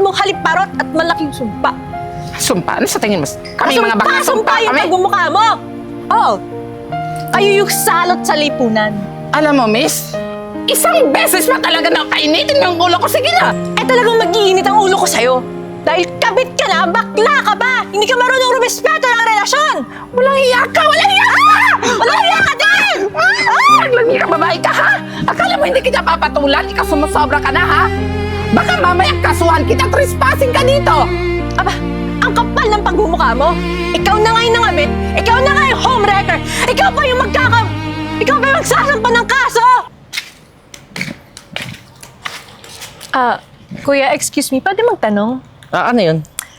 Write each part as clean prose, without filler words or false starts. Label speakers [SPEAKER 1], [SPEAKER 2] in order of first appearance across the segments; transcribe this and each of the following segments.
[SPEAKER 1] mong haliparot at malaking sumpa.
[SPEAKER 2] Sumpa? Ano sa tingin mo? Kami mga baka
[SPEAKER 1] Sumpa yung
[SPEAKER 2] kami?
[SPEAKER 1] pagmumukha mo! Oo. Kayo yung salot sa lipunan.
[SPEAKER 2] Alam mo, miss, isang beses pa talaga na kainitin yung ulo ko. Sige na!
[SPEAKER 1] Eh talagang mag-iinit ang ulo ko sa'yo. Dahil kabit ka na, bakla ka ba? Hindi ka marunong rumespeto ng relasyon!
[SPEAKER 2] Walang hiya ka! Walang hiya ka!
[SPEAKER 1] Walang hiya ka din!
[SPEAKER 2] Naglangi ka, babae ka, ha? Akala mo hindi kita papatulan? Ikaw sumusobra ka na, ha? Baka mamaya kasuhan kita, trespassing ka dito!
[SPEAKER 1] Aba, ang kapal ng pagmumukha mo. Ikaw na nga yung nangabit. Ikaw na nga yung homewrecker. Ikaw pa yung Ikaw pa yung magsasampa ng kaso! Kuya, excuse me, pwede magtanong?
[SPEAKER 3] Ano yun?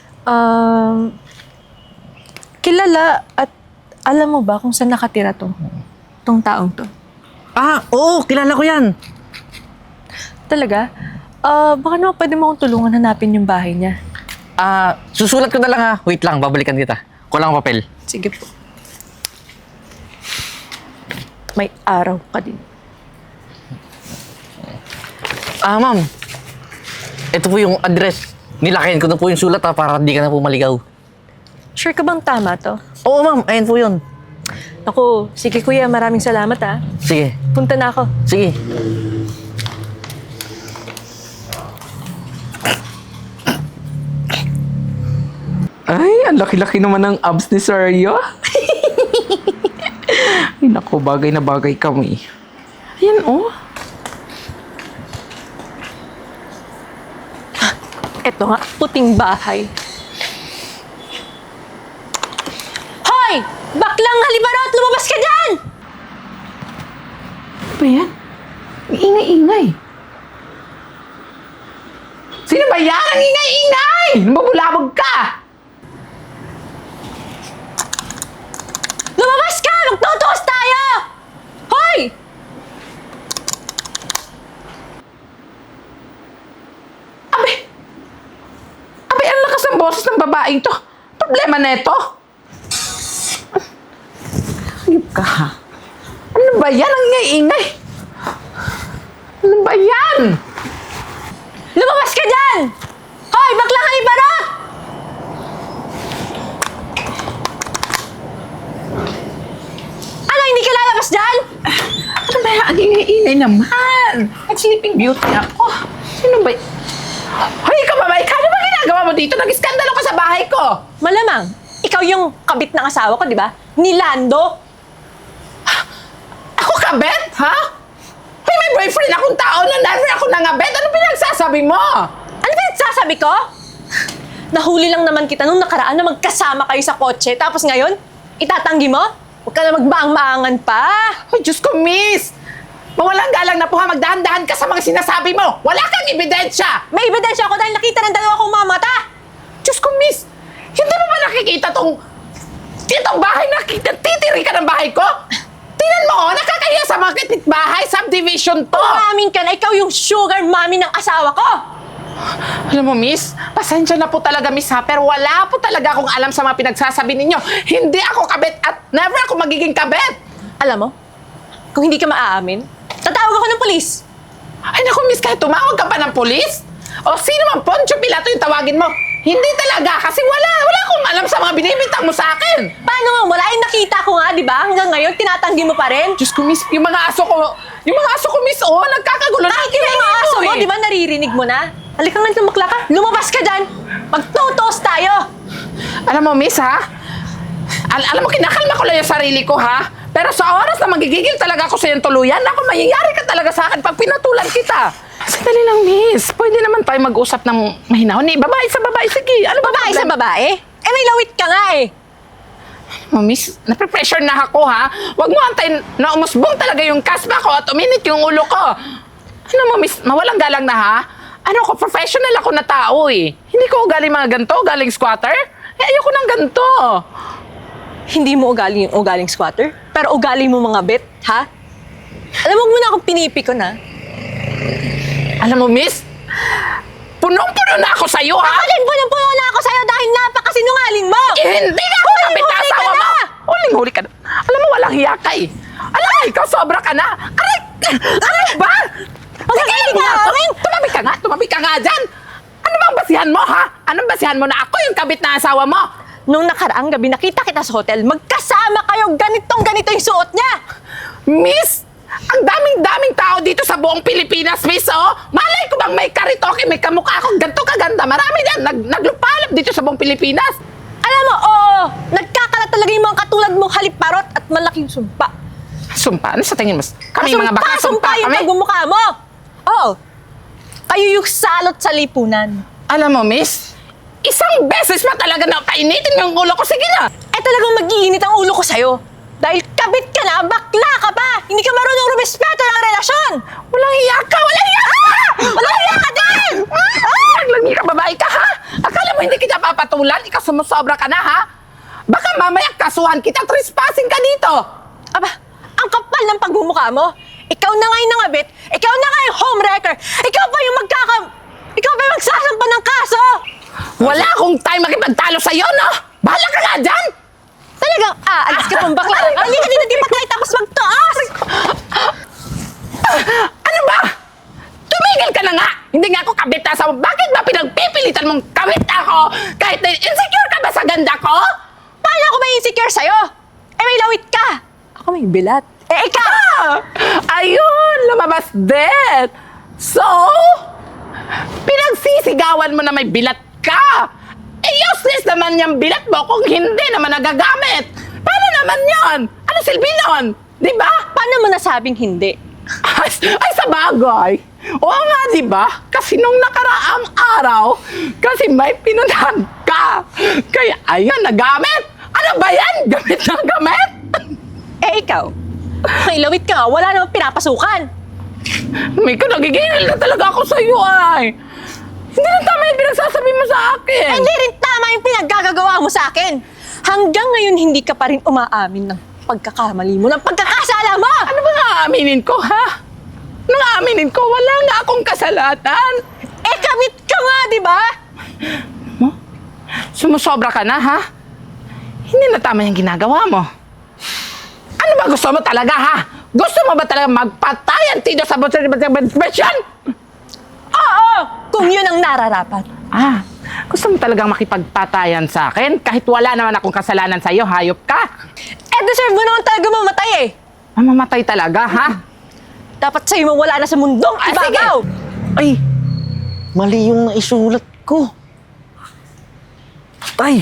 [SPEAKER 1] Kilala at alam mo ba kung saan nakatira tong taong to?
[SPEAKER 3] Oo, kilala ko yan.
[SPEAKER 1] Talaga? Baka naman pwede mo akong tulungan hanapin yung bahay niya.
[SPEAKER 3] Susulat ko na lang ha. Wait lang, babalikan kita. Kulang ang papel.
[SPEAKER 1] Sige po. May araw ka din.
[SPEAKER 3] Ma'am. Ito po yung address. Nilakayan ko na po yung sulat para hindi ka na po maligaw.
[SPEAKER 1] Sure ka bang tama to?
[SPEAKER 3] Oo, ma'am. Ayan po yun.
[SPEAKER 1] Naku, sige kuya, maraming salamat ha.
[SPEAKER 3] Sige.
[SPEAKER 1] Punta na ako.
[SPEAKER 3] Sige.
[SPEAKER 2] Ay, ang laki-laki naman ng abs ni Sergio. Ay, naku, bagay na bagay kami. Ayan, oh.
[SPEAKER 1] Eto nga, puting bahay. Hoy! Baklang halibarot! Lumabas ka dyan!
[SPEAKER 2] Ano ba yan? May ingay-ingay. Sino ba yan? Ang ingay-ingay! Mabulabog ka!
[SPEAKER 1] Lumabas ka! Magtutuos tayo! Hoy!
[SPEAKER 2] Abay, ang lakas ng boses ng babaeng to. Problema na ito. Hayop ka, ha? Ano ba yan? Ang ingay-ingay. Ano ba yan?
[SPEAKER 1] Lumabas ka dyan! Hoy! Baklang halibarot! Ano, hindi ka lalabas dyan?
[SPEAKER 2] Ano ba yan? Ang ingay-ingay naman. At sleeping beauty ako. Sino ba? Hoy, ikaw babae ka. Ano ba ginagawa mo dito? Nag-iskandalo ka sa bahay ko.
[SPEAKER 1] Malamang, ikaw yung kabit ng asawa ko, di ba? Ni Lando.
[SPEAKER 2] Ako kabet, ha? Hoy, may boyfriend akong tao na never ako nangabet. Ano pinagsasabi mo?
[SPEAKER 1] Ano ba yung sasabi ko? Nahuli lang naman kita nung nakaraan na magkasama kayo sa kotse. Tapos ngayon, itatanggi mo? Huwag ka na magbaang-maangan pa.
[SPEAKER 2] Ay, Diyos ko, miss! Mawalang galang na po ha, magdahan-dahan ka sa mga sinasabi mo. Wala kang ebidensya.
[SPEAKER 1] May ebidensya ako dahil nakita ng dalawa kong mamata.
[SPEAKER 2] Diyos ko, miss! Hindi mo ba nakikita itong bahay na titiri ka ng bahay ko? Tingnan mo, nakakahiya sa mga bahay, subdivision to.
[SPEAKER 1] Umamin ka na ikaw yung sugar mommy ng asawa ko.
[SPEAKER 2] Alam mo, miss, pasensya na po talaga, miss ha, pero wala po talaga akong alam sa mga pinagsasabi ninyo. Hindi ako kabet at never ako magiging kabet.
[SPEAKER 1] Alam mo, kung hindi ka maaamin, tatawag ako ng polis.
[SPEAKER 2] Ay naku, miss, kahit tumawag ka pa ng polis? O sino man Poncio Pilato yung tawagin mo? Hindi talaga, kasi wala akong alam sa mga binibintang mo sa akin.
[SPEAKER 1] Paano nga? Wala yung nakita ko nga, di ba? Hanggang ngayon, tinatanggi mo pa rin.
[SPEAKER 2] Diyos ko, miss, yung mga aso ko, miss, nagkakagulo.
[SPEAKER 1] Kahit yung mga aso mo, di ba naririnig mo na? Halika nga, lumakla ka. Lumabas ka dyan. Magtutos tayo.
[SPEAKER 2] Alam mo, miss, ha? Alam mo, kinakalma ko lang yung sarili ko, ha? Pero sa oras na magigigil talaga ako sa iyong tuluyan, ako, mayayari ka talaga sa akin pag pinatulan kita. Sandali lang, miss. Pwede naman tayo mag-usap ng mahinahon. Babae sa babae, sige. Ano ba
[SPEAKER 1] Babae sa babae? Eh, may lawit ka nga eh.
[SPEAKER 2] Oh, miss, nape-pressure na ako, ha? Huwag mo antayin na umusbong talaga yung kaspa ko at uminit yung ulo ko. Ano mo, miss, mawalang galang na, ha? Ano ko, professional ako na tao, eh. Hindi ko ugali mga ganito, galing squatter. Eh, ayoko ng ganito.
[SPEAKER 1] Hindi mo ugali yung ugaling squatter, pero ugali mo mga bet, ha? Alam mo muna akong pinipikon, ha?
[SPEAKER 2] Alam mo, miss, punong-puno na ako sa'yo, ha?
[SPEAKER 1] Ako din punong-puno na ako sa'yo dahil napakasinungaling mo!
[SPEAKER 2] Eh, hindi na ako kapit na asawa mo! Huling-huli ka na. Alam mo, walang hiya ka, eh. Alam mo, ikaw sobra ka na. Aray! Ano ba?
[SPEAKER 1] Huwag ka
[SPEAKER 2] Tumabi ka nga dyan! Ano bang basihan mo, ha? Anong basihan mo na ako yung kabit na asawa mo?
[SPEAKER 1] Nung nakaraang gabi nakita kita sa hotel, magkasama kayo, ganito yung suot niya.
[SPEAKER 2] Miss, ang daming-daming tao dito sa buong Pilipinas, Miss, oh. Malay ko bang may karitoke, may kamukha akong ganito kaganda. Marami yan, naglupalap dito sa buong Pilipinas.
[SPEAKER 1] Alam mo, oo, nagkakalat talaga yung mga katulad mong halip-parot at malaking sumpa.
[SPEAKER 2] Sumpa? Ano sa tingin mo? Kami mga baka sumpa
[SPEAKER 1] yung
[SPEAKER 2] kami?
[SPEAKER 1] pagmumukha mo. Oo, kayo yung salot sa lipunan.
[SPEAKER 2] Alam mo, Miss, isang beses pa talaga na painitin yung ulo ko. Sige na.
[SPEAKER 1] Eh talagang mag-iinit ang ulo ko sa'yo. Dahil kabit ka na, bakla ka pa! Hindi ka marunong rumespeto ng relasyon!
[SPEAKER 2] Walang hiya ka! Walang hiya ka!
[SPEAKER 1] Walang hiya ka din!
[SPEAKER 2] Naglangi ka, babae ka, ha? Akala mo hindi kita papatulan? Ikaw sumusobra ka na, ha? Baka mamaya kasuhan kita, trespassing ka dito!
[SPEAKER 1] Aba, ang kapal ng pagmumukha mo. Ikaw na nga yung nangabit, ikaw na nga yung homewrecker, ikaw pa yung ikaw pa yung magsasampa ng kaso!
[SPEAKER 2] Wala akong time makipagtalo sa'yo, no? Bahala ka nga dyan!
[SPEAKER 1] Talagang aalis ka pang bakla. Halika dito, di pa tayo tapos magtaas!
[SPEAKER 2] Ano ba? Tumigil ka na nga! Hindi nga ako kabit na sa... Bakit ba pinagpipilitan mong kabit ako? Kahit na insecure ka ba sa ganda ko?
[SPEAKER 1] Paano ako may insecure sa'yo? Eh, may lawit ka! Ako may bilat. Eh, ikaw!
[SPEAKER 2] Ayun! Lumabas din! So, pinagsisigawan mo na may bilat ka! Eh, useless naman yung bilat mo kung hindi naman nagagamit! Paano naman yon? Ano silbi nun? Di ba?
[SPEAKER 1] Paano mo nasabing hindi?
[SPEAKER 2] Ay, sa bagay. Oo nga, di ba? Kasi nung nakaraang araw, kasi may pinuntahan ka. Kaya, ayun, nagamit. Ano ba yan? Gamit na gamit?
[SPEAKER 1] Eh, ikaw? May lawit ka nga, wala namang pinapasukan.
[SPEAKER 2] May ko, nagigingil na talaga ako sa'yo, ay. Hindi na tama yung pinagsasabi mo sa akin.
[SPEAKER 1] Eh, hindi rin tama yung pinaggagawa mo sa akin. Hanggang ngayon, hindi ka pa rin umaamin ng pagkakamali mo, ng pagkakasala mo!
[SPEAKER 2] Ano ba nga aaminin ko, ha? Ano nga aaminin ko? Wala nga akong kasalanan.
[SPEAKER 1] Eh, kabit ka nga, di ba?
[SPEAKER 2] Sumusobra ka na, ha? Hindi na tama yung ginagawa mo. Ano ba gusto mo talaga, ha? Gusto mo ba talaga magpatayan dito sa basyon?
[SPEAKER 1] Oo, kung yun ang nararapat.
[SPEAKER 2] Gusto mo talagang makipagpatayan sa akin? Kahit wala naman akong kasalanan sa'yo, hayop ka.
[SPEAKER 1] Eh, deserve mo naman talaga mamatay eh.
[SPEAKER 2] Mamamatay talaga, ha?
[SPEAKER 1] Dapat sa'yo mawala na sa mundong ibabaw.
[SPEAKER 3] Ay, mali yung naisulat ko. Ay,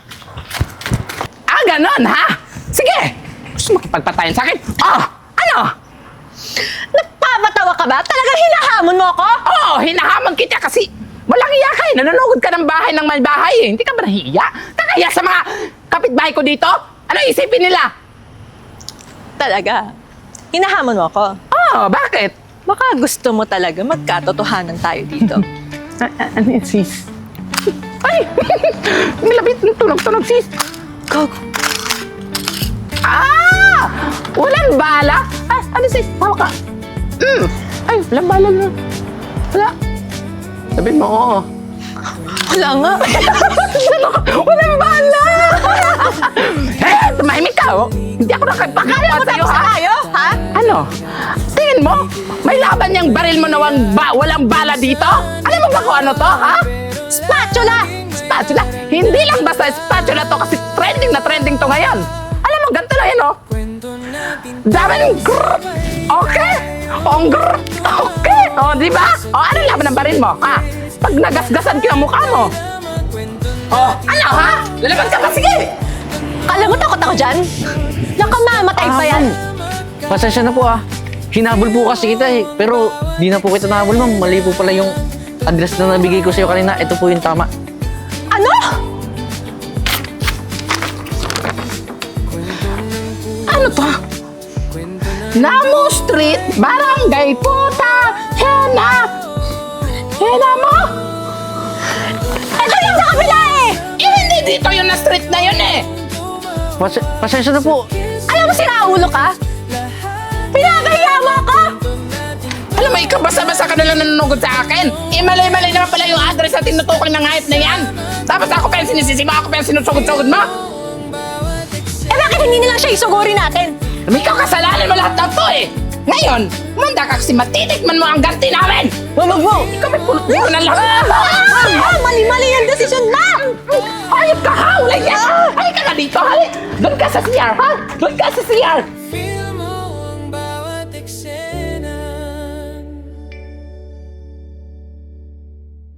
[SPEAKER 2] Ganon, ha? Sige! Gusto mo makipagpatayan sa akin? Ano?
[SPEAKER 1] Nagpapatawa ka ba? Talagang hinahamon mo ako?
[SPEAKER 2] Oo, hinahamon kita kasi walang hiya ka eh. Nanunugod ka ng bahay ng may bahay eh. Hindi ka ba nahiya? Kakaya sa mga kapitbahay ko dito? Ano isipin nila?
[SPEAKER 1] Talaga? Hinahamon mo ako?
[SPEAKER 2] Bakit?
[SPEAKER 1] Baka gusto mo talaga magkatotohanan tayo dito.
[SPEAKER 2] Ano yun, sis? Ay! Nilabit ng tunog-tunog, sis.
[SPEAKER 1] Gago.
[SPEAKER 2] Walang bala? Ano, sis? Tawa ka. Ay, walang bala na. Wala. Sabihin mo, oo.
[SPEAKER 1] Wala nga.
[SPEAKER 2] Walang bala! Tumahimik ka, oh. Hindi ako nakapakawa sa'yo, ha?
[SPEAKER 1] Tayo, ha?
[SPEAKER 2] Ano? Tingin mo? May laban niyang baril mo na walang bala dito? Alam mo ba kung ano to, ha?
[SPEAKER 1] Spatula!
[SPEAKER 2] Spatula? Hindi lang basta spatula to kasi trending na trending to ngayon. Alam mo, ganito lang yun, oh. Dami ng grrrr. Okay? Grrrr. Okay? Di ba? Ano laban ng baril mo, ha? Pag nagasgasan ko yung mukha mo. Ano, ha? Lalaban ka pa, sige!
[SPEAKER 1] Alam mo, takot ako dyan? Nakamamatay pa yan.
[SPEAKER 3] pasensya na po Hinabol po kasi kita eh. Pero di na po kita nahabol, ma'am. Mali po pala yung address na nabigay ko sa'yo kanina. Ito po yung tama.
[SPEAKER 1] Ano?
[SPEAKER 2] Ano to? Namu Street, Barangay Puta, Hena mo?
[SPEAKER 1] Ito yung sa kabila eh!
[SPEAKER 2] Hindi dito yung na street na yun eh.
[SPEAKER 3] Pasensya na po.
[SPEAKER 1] Alam mo, sinaulo ka? Pinagahiya mo ako!
[SPEAKER 2] Alam mo, ikaw basta-basta ka nalang nanunugod sa akin. Malay-malay naman pala yung address na tinutukoy ng hayop na yan. Tapos ako pa yung sinisisi mo, ako pa yung sinusugod-sugod mo.
[SPEAKER 1] Eh bakit hindi na lang siya isuguri natin?
[SPEAKER 2] Ikaw kasalanan mo lahat ng to eh. Ngayon, manda ka kasi matitikman mo ang ganti namin.
[SPEAKER 1] Wag mo!
[SPEAKER 2] Ikaw may pulot mo ng lahat.
[SPEAKER 1] Mali Mali-mali yung desisyon mo!
[SPEAKER 2] Hayop ka ha! Wala yan! Halika ka dito! Doon ka sa CR ha! Doon ka sa CR!
[SPEAKER 4] Feel